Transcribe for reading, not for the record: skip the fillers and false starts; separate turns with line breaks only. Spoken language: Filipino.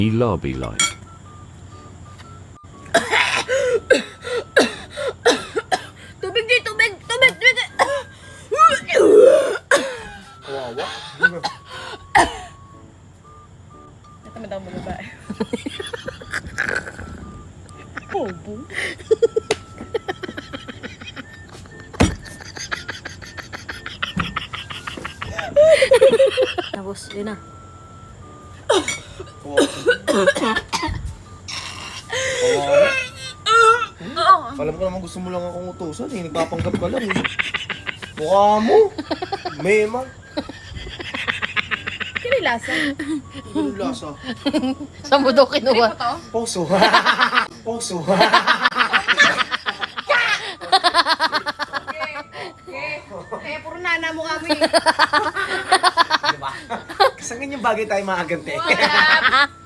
Lobby light.
Tubig di, tubig! Tubig! Tubig!
Kawawa.
Natamad ako mag-babae. Bobo. Tapos, yun na.
Kawawa. Alam ko naman gusto mo lang akong utusan eh. Nagpapanggap ka lang eh. Mukha mo. Mema.
Kaya yung lasa.
Anong lasa?
Saan mo daw kinuha?
Poso. Poso.
Eh, puro nana mo kami.
Diba? Kasi ganyan bagay tayo mga gante.
Wala.